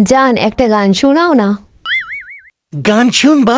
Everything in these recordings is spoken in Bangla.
জান একটা গান শোনাও না। গান শুনবা?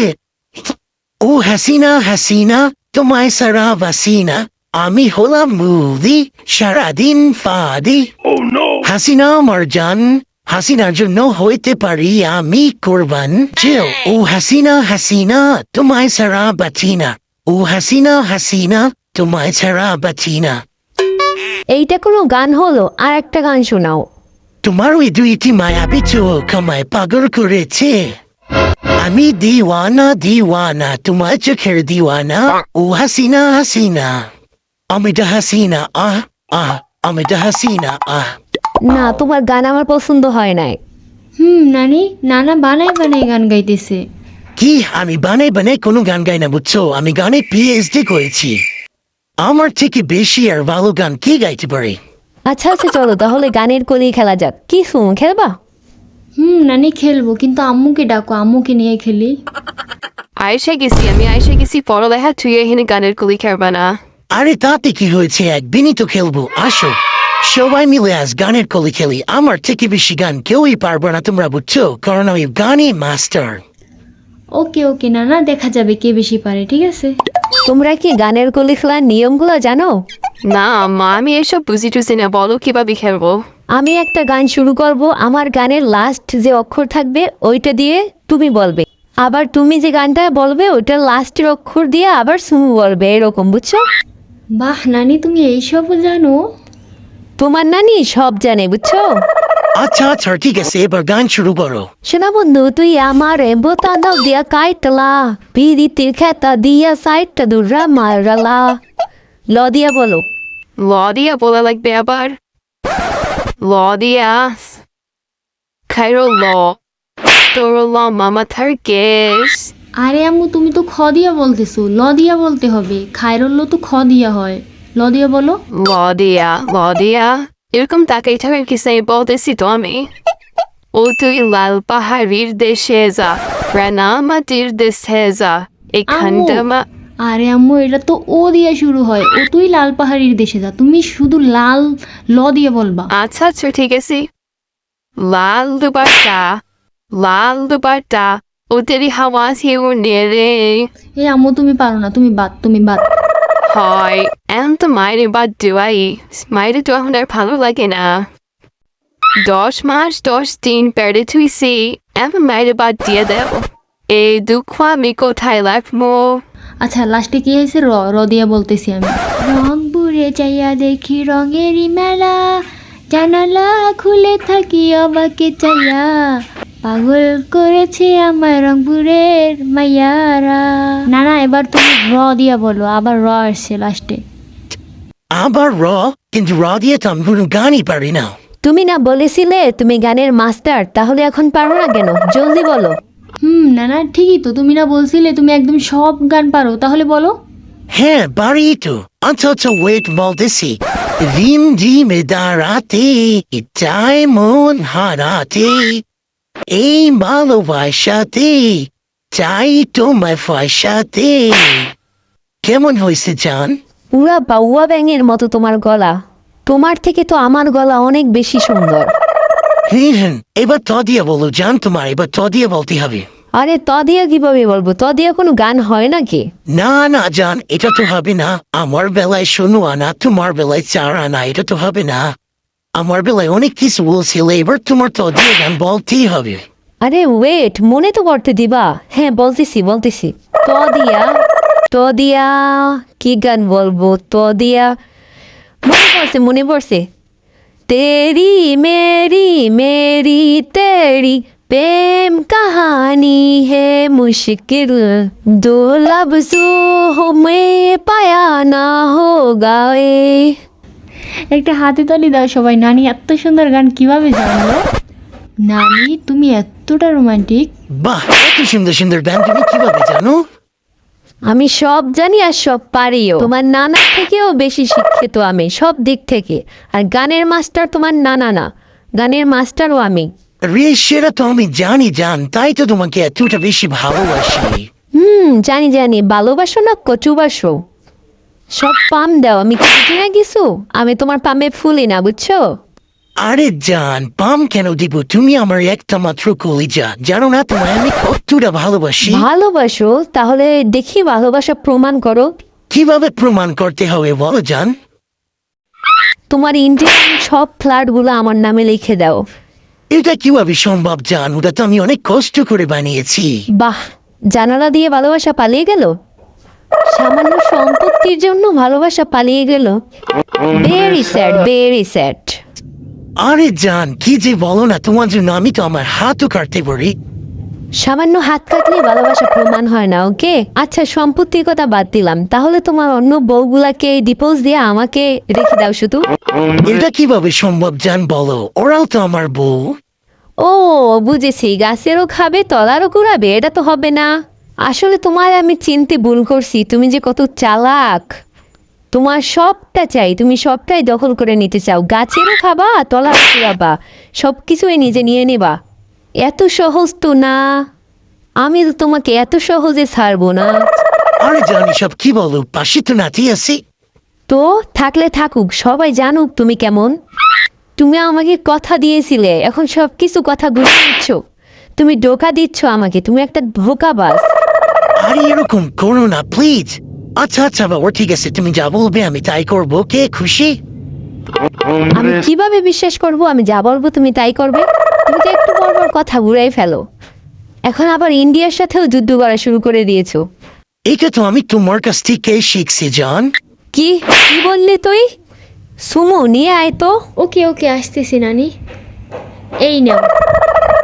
ও হাসিনা হাসিনা তোমায় সারা বাসিনা, আমি হলাম মুদি সারাদিন ফাদি। হাসিনা আমার জান, হাসিনার জন্য হইতে পারি আমি কোরবান। চিল। ও হাসিনা হাসিনা তোমায় সারা বাচিনা, ও হাসিনা হাসিনা তোমায় সারা বাচিনা। এইটা কোনো গান হলো? আর একটা গান শোনাও। তোমার ওই দুইটি মায়াবী চোখ আমায় পাগল করেছে। আমি দিওয়ানা দিওয়ানা তোমার চোখের দিওয়ানা, ও হাসিনা হাসিনা আমিটা হাসিনা আহ আহ আমিটা হাসিনা আহ। না, তোমার গান আমার পছন্দ হয় নাই। নানি, নানা বানাই বানাই গান গাইতেছে। কি? আমি বানাই বানাই কোনো গান গাই না বুঝছো? আমি গানে পিএইচডি করেছি। আমার থেকে বেশি আর ভালো গান কি গাইতে পারে? আচ্ছা আচ্ছা, চলো তাহলে গানের কলি খেলা যাক। কি শুন খেলবা? নানি খেলবো, কিন্তু আম্মুকে ডাকো, আম্মুকে নিয়ে খেলি। আমি আইসা গেছি পড়ালেখা, তুই এখানে গানের কলি খেলবা না। আরে তাতে কি হয়েছে, একদিনই তো খেলবো, আসো সবাই মিলে আজ গানের কলি খেলি। আমার থেকে বেশি গান কেউই পারবো না তোমরা বুঝছো, কারণ আমি গানে মাস্টার। ওকে ওকে নানা, দেখা যাবে কে বেশি পারে, ঠিক আছে? তোমরা কি গানের কলি খেলার নিয়মগুলো জানো? না মা, আমি এসব বুঝি টুঝি না, বলো কিভাবে খেলবো। আমি একটা গান শুরু করব, আমার গানের লাস্ট যে অক্ষর থাকবে ওইটা দিয়ে তুমি বলবে, আবার তুমি যে গানটা বলবে ওইটার লাস্টের অক্ষর দিয়ে আবার সুমু বলবে, এরকম বুঝছো? বাহ নানি, তুমি এইসবও জানো? তোমার নানি সব জানে বুঝছো। আচ্ছা আচ্ছা ঠিক আছে, এবার গান শুরু করো। শোনা বন্ধু, তুই আমার বোতাদাও দিয়া কাইটলা, পিরিতির খেতা দিয়া সাইটটা দুরা মারালা। ল দিয়া বলো। ল দিয়া বলা লাগবে আবার। ল দিয়া খাইরো ল, তোর ল মামা থার কেস। আরে আম্মু, তুমি তো খ দিয়া বলতেছো, ল দিয়া বলতে হবে। খায়রুল্ল তো খ দিয়া হয়। ল দিয়া বলো। ল দিয়া এরকম তাকাই থাকার কিছু নেই, বলতেছি তো আমি। ও তুই লাল পাহাড়ির দেশে যা, রানামাটির দেশে যা, এখানটা মা। আরে আম্মু, এটা তো ও দিয়া শুরু হয়। ও তুই লাল পাহাড়ির দেশে যা, তুমি শুধু লাল ল দিয়ে বলবা। আচ্ছা আচ্ছা ঠিক আছে। লাল দুবারটা, লাল দুবারটা, ও তেরি হাওয়া হিউ নেরে। এই আম্মু, তুমি পারো না, তুমি বাদ, তুমি বাদ। হয় এমন তো মায়ের বাদ দেওয়াই, মায়ের তো এখন আর ভালো লাগে না। 10 মাস 10 দিন পেড়ে থুইছি, এমন মায়ের বাদ দিয়ে দেও। এই দুঃখ আমি কোথায় রাখবো? আচ্ছা, লাস্টে কি হয়েছে? র র দিয়া বলতেছি আমি। রংপুরে চাইয়া দেখি রঙেরই মেলা, জানালা খুলে থাকি অবাকে চাইয়া, পাগল করেছে আমার রংপুরের মাইয়ারা। না না, এবার তুমি র দিয়া বলো, আবার র আসছে লাস্টে। আবার র? কিন্তু র দিয়ে তো আমি কোনো গানই পারি না। তুমি না বলেছিলে তুমি গানের মাস্টার, তাহলে এখন পারো না কেন? জলদি বলো। না না, ঠিকই তো, তুমি না বলছিলে তুমি একদম সব গান পারো, তাহলে বলো। হ্যাঁ পারি তো। আচ্ছা আচ্ছা ওয়েট বলতেছি। রিম ঝিমে দাঁড়াতে, ইচ্ছায় মন হারাতে, এই ভালোবাসাতে চাই তোমায় ফয়সাতে। কেমন হয়েছে জান? পুরা বাউয়া ব্যাঙের মতো তোমার গলা। তোমার থেকে তো আমার গলা অনেক বেশি সুন্দর। হ্যাঁ, এবার ত দিয়ে বলো জান, তোমার এবার ত দিয়ে বলতে হবে। আরে ত দিয়া কিভাবে বলবো? ত দিয়া কোনো গান হয় নাকি? না না জান, এটা তো হবে না। আমার বেলায় শোনো আনা, তোমার বেলায় চার আনা, এটা তো হবে না। আমার বেলায় অনেক কিছু বলছিল, এবার তোমার তো দিয়ে গান বলতেই হবে। আরে ওয়েট, মনে তো করতে দিবা। হ্যাঁ বলতেছি বলতেছি। ত দিয়া, ত দিয়া কি গান বলবো? ত দিয়া মনে পড়ছে। তেরি মেরি মেরি তেরি প্রেম কাহানি হে মুশকিল, দো লফজোं में पाया ना होगा ये। একটা হাতে তালি দাও সবাই। নানি এত সুন্দর গান কিভাবে জানলো? নানি, তুমি এতটা রোমান্টিক। বাহ, এত সুন্দর সুন্দর গান তুমি কিভাবে জানো? আমি সব জানি আর সব পারিও। তোমার নানা থেকেও বেশি শিক্ষিত আমি সব দিক থেকে। আর গানের মাস্টার তোমার নানা না, গানের মাস্টারও আমি। রে সেটা তো আমি জানি জান, তাই তো তোমাকে এতটা বেশি ভালোবাসি। জানি জানি, ভালোবাসো না কচুবাসো, সব পাম দাও। আমি কি বুঝি না কিছু? আমি তোমার পামে ফুলি না বুঝছো। আরে জান পাম কেন দিব, তুমি আমার একটা মাত্র কলিজা, জানো না তোমায় আমি কতটা ভালোবাসি। ভালোবাসো? তাহলে দেখি ভালোবাসা প্রমাণ করো। কিভাবে প্রমাণ করতে হবে বলো জান? তোমার ইন্ডিয়ান সব ফ্ল্যাটগুলো আমার নামে লিখে দাও। এটা কিভাবে সম্ভব জান? ওটা তো আমি অনেক কষ্ট করে বানিয়েছি। বাহ, জানালা দিয়ে ভালোবাসা পালিয়ে গেল? সামান্য সম্পত্তির জন্য ভালোবাসা পালিয়ে গেল? Very sad, very sad. আরে জান কি যে বলো না, তোমার জন্য আমি তো আমার হাতও কাটতে পারি। সামান্য হাত কাটলে ভালোবাসা প্রমাণ হয় না, ওকে? আচ্ছা, সম্পত্তির কথা বাদ দিলাম, তাহলে তোমার অন্য বউগুলাকে ডিভোর্স দিয়ে আমাকে রেখে দাও শুধু। এটা কিভাবে সম্ভব জান বলো? ওরাও তো আমার বউ। ও বুঝেছি, গাছেরও খাবে তলারও কুড়াবে, এটা তো হবে না। আসলে তোমার আমি চিনতে ভুল করছি, তুমি যে কত চালাক। তোমার সবটা চাই, তুমি সবটাই দখল করে নিতে চাও, গাছেরও খাবা তলারও কুড়াবা, সব কিছুই নিজে নিয়ে নেবা। এত সহজ তো না, আমি তো তোমাকে এত সহজে ছাড়বো না। আরে জান এসব কি বলো, পাশে তো নাতি আছি। তো থাকলে থাকুক, সবাই জানুক তুমি কেমন। তুমি আমাকে কথা দিয়েছিলে, এখন সব কিছু কথা ঘুরে দিচ্ছ। তুমি ধোকা দিচ্ছ আমাকে, তুমি একটা ধোকাবাজ। আরে এরকম করো না প্লিজ। আচ্ছা আচ্ছা বাবা ঠিক আছে, তুমি যা বলবে আমি তাই করবো, কে খুশি? আমি কিভাবে বিশ্বাস করব আমি যা বলবো তুমি তাই করবে? তুমি তো একটু পর পর কথা ঘুরাই ফেলো। এখন আবার ইন্ডিয়ার সাথেও যুদ্ধ করা শুরু করে দিয়েছো। এটা তো আমি তোমার কাছ থেকে শিখছি জান। কি কি বললি তুই? সুমু নিয়ে আয় তো। ওকে ওকে, আসতেছি নানি। এই নাও।